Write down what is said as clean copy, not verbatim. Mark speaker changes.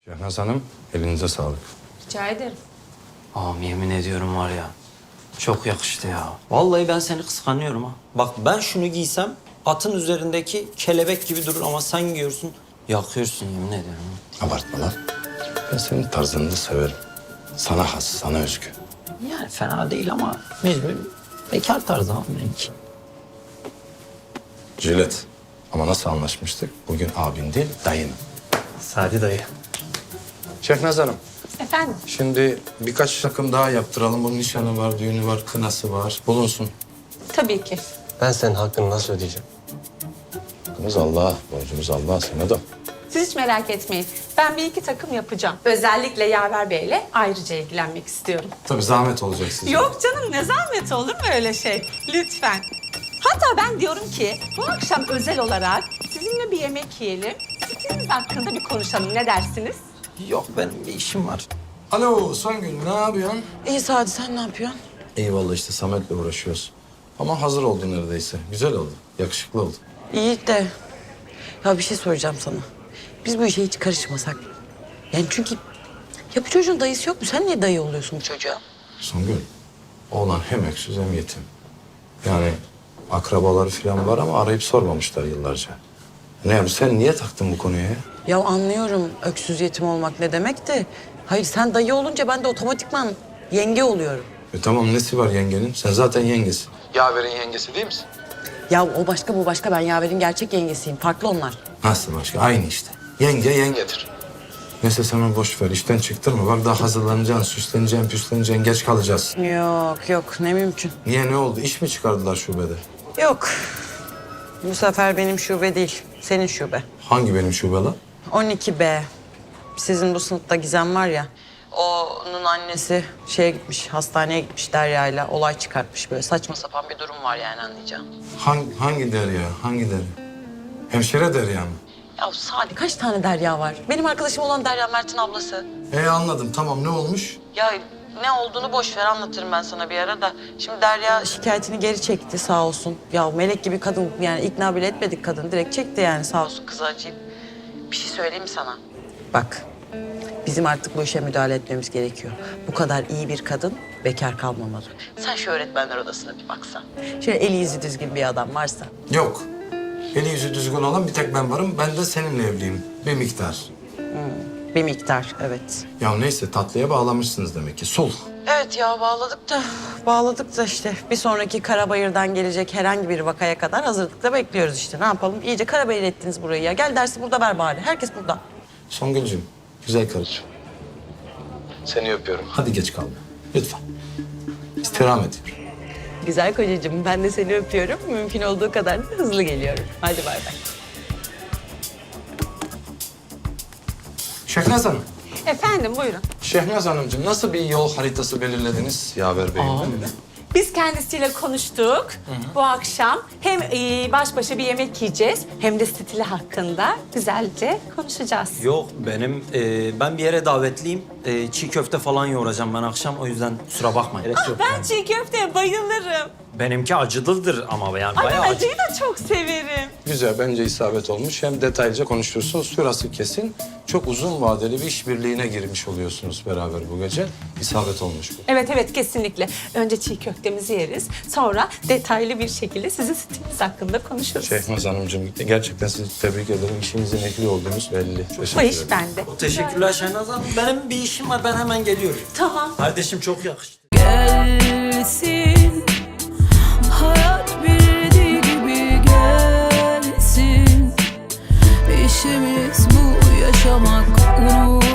Speaker 1: Şehnaz Hanım, elinize sağlık.
Speaker 2: Rica ederim.
Speaker 3: Ağam yemin ediyorum var ya. Çok yakıştı ya. Vallahi ben seni kıskanıyorum ha. Bak ben şunu giysem atın üzerindeki kelebek gibi durur ama sen giyiyorsun. Yakıyorsun yemin ediyorum.
Speaker 1: Abartma lan. Ben senin tarzını da severim. Sana has, sana özgü.
Speaker 3: Yani fena değil ama mecbur bekar tarzı abi benimki.
Speaker 1: Jilet. Ama nasıl anlaşmıştık? Bugün abin değil, dayın.
Speaker 3: Sadi dayı.
Speaker 1: Şehnaz Hanım,
Speaker 2: Efendim?
Speaker 1: şimdi birkaç takım daha yaptıralım. Bunun nişanı var, düğünü var, kınası var. Bulunsun.
Speaker 2: Tabii ki.
Speaker 4: Ben senin hakkını nasıl ödeyeceğim?
Speaker 1: Hakkımız Allah'a, borcumuz Allah'a, sana da.
Speaker 2: Siz hiç merak etmeyin. Ben bir iki takım yapacağım. Özellikle Yaver Bey'le ayrıca ilgilenmek istiyorum.
Speaker 1: Tabii zahmet olacak size.
Speaker 2: Yok canım, ne zahmet, olur mu öyle şey? Lütfen. Hatta ben diyorum ki bu akşam özel olarak sizinle bir yemek yiyelim. Stiliniz hakkında bir konuşalım. Ne dersiniz?
Speaker 3: Yok benim bir işim var.
Speaker 1: Alo Songül, ne yapıyorsun?
Speaker 5: İyi Sadi, sen ne yapıyorsun?
Speaker 1: Eyvallah işte Samet'le uğraşıyoruz. Ama hazır oldu neredeyse. Güzel oldu, yakışıklı oldu.
Speaker 5: İyi de ya bir şey soracağım sana. Biz bu işe hiç karışmasak. Yani çünkü ya bu çocuğun dayısı yok mu? Sen niye dayı oluyorsun bu çocuğa?
Speaker 1: Songül, oğlan hem öksüz hem yetim. Yani akrabaları falan var ama arayıp sormamışlar yıllarca. Ne yapayım, sen niye taktın bu konuya ya?
Speaker 5: Ya anlıyorum öksüz yetim olmak ne demek de. Hayır sen dayı olunca ben de otomatikman yenge oluyorum.
Speaker 1: Tamam, nesi var yengenin? Sen zaten yengesin. Yaver'in yengesi değil misin?
Speaker 5: Ya o başka bu başka, ben Yaver'in gerçek yengesiyim. Farklı onlar.
Speaker 1: Nasıl başka? Aynı işte. Yenge yengedir. Neyse sen boş ver, işten çıktırma. Bak daha hazırlanacaksın, süsleneceksin, püsleneceksin, geç kalacağız.
Speaker 5: Yok ne mümkün.
Speaker 1: Niye, ne oldu? İş mi çıkardılar şubede?
Speaker 5: Yok. Bu sefer benim şube değil, senin şube.
Speaker 1: Hangi benim şube lan?
Speaker 5: 12B. Sizin bu sınıfta Gizem var ya. Onun annesi şeye gitmiş, hastaneye gitmiş Derya'yla. Olay çıkartmış böyle. Saçma sapan bir durum var yani, anlayacağım.
Speaker 1: Hangi Derya? Hangi Derya? Hemşire Derya mı?
Speaker 5: Ya Sadi, kaç tane Derya var? Benim arkadaşım olan Derya, Mert'in ablası.
Speaker 1: Anladım. Tamam, ne olmuş?
Speaker 5: Ya ne olduğunu boş ver, anlatırım ben sana bir ara da. Şimdi Derya şikayetini geri çekti sağ olsun. Ya melek gibi kadın, yani ikna bile etmedik kadın. Direkt çekti yani, sağ olsun, kızı acıyıp. Bir şey söyleyeyim mi sana? Bak, bizim artık bu işe müdahale etmemiz gerekiyor. Bu kadar iyi bir kadın bekar kalmamalı. Sen şu öğretmenler odasına bir baksan. Şöyle eli yüzü düzgün bir adam varsa.
Speaker 1: Yok. Eli yüzü düzgün olan bir tek ben varım. Ben de seninle evliyim. Bir miktar.
Speaker 5: Bir miktar, evet.
Speaker 1: Ya neyse, tatlıya bağlamışsınız demek ki. Sulh.
Speaker 5: Evet ya, bağladık da işte bir sonraki Karabayır'dan gelecek herhangi bir vakaya kadar hazırlıkla bekliyoruz işte. Ne yapalım? İyice Karabayır ettiniz burayı ya. Gel dersi burada ver bari. Herkes burada.
Speaker 1: Songül'cüğüm, güzel karıcığım. Seni öpüyorum. Hadi geç kalma. Lütfen. İstirham ediyorum.
Speaker 5: Güzel kocacığım, ben de seni öpüyorum. Mümkün olduğu kadar da hızlı geliyorum. Hadi bay bay.
Speaker 1: Şehnaz Hanım.
Speaker 2: Efendim, buyurun.
Speaker 1: Şehnaz Hanımcığım, nasıl bir yol haritası belirlediniz Yaver Bey'in?
Speaker 2: Biz kendisiyle konuştuk. Bu akşam hem baş başa bir yemek yiyeceğiz hem de stili hakkında güzelce konuşacağız.
Speaker 3: Yok benim ben bir yere davetliyim. Çiğ köfte falan yoğuracağım ben akşam o yüzden kusura bakmayın. Gerek yok
Speaker 2: Ben
Speaker 3: yani.
Speaker 2: çiğ köfteye bayılırım.
Speaker 3: Benimki acılıdır ama yani
Speaker 2: Ay,
Speaker 3: bayağı
Speaker 2: ben
Speaker 3: acı.
Speaker 2: acıyı da çok severim.
Speaker 1: Güzel, bence isabet olmuş. Hem detaylıca konuşuyorsunuz, sırası kesin. Çok uzun vadeli bir işbirliğine girmiş oluyorsunuz beraber bu gece. İsabet olmuş bu.
Speaker 2: Evet, kesinlikle. Önce çiğ köftemizi yeriz. Sonra detaylı bir şekilde sizin stiliniz hakkında konuşuruz.
Speaker 1: Şehnaz Hanımcığım, gerçekten sizi tebrik ederim. İşinizin ehli olduğunuz belli.
Speaker 2: Bu
Speaker 1: Teşekkür
Speaker 2: iş
Speaker 1: ederim.
Speaker 2: bende.
Speaker 3: Teşekkürler Şehnaz Hanım. Benim bir işim var ben hemen geliyorum.
Speaker 2: Tamam.
Speaker 3: Kardeşim çok yakıştı.
Speaker 6: Gelsin, hayat bildiği gibi gelsin. İşimiz bu, yaşamak, unut.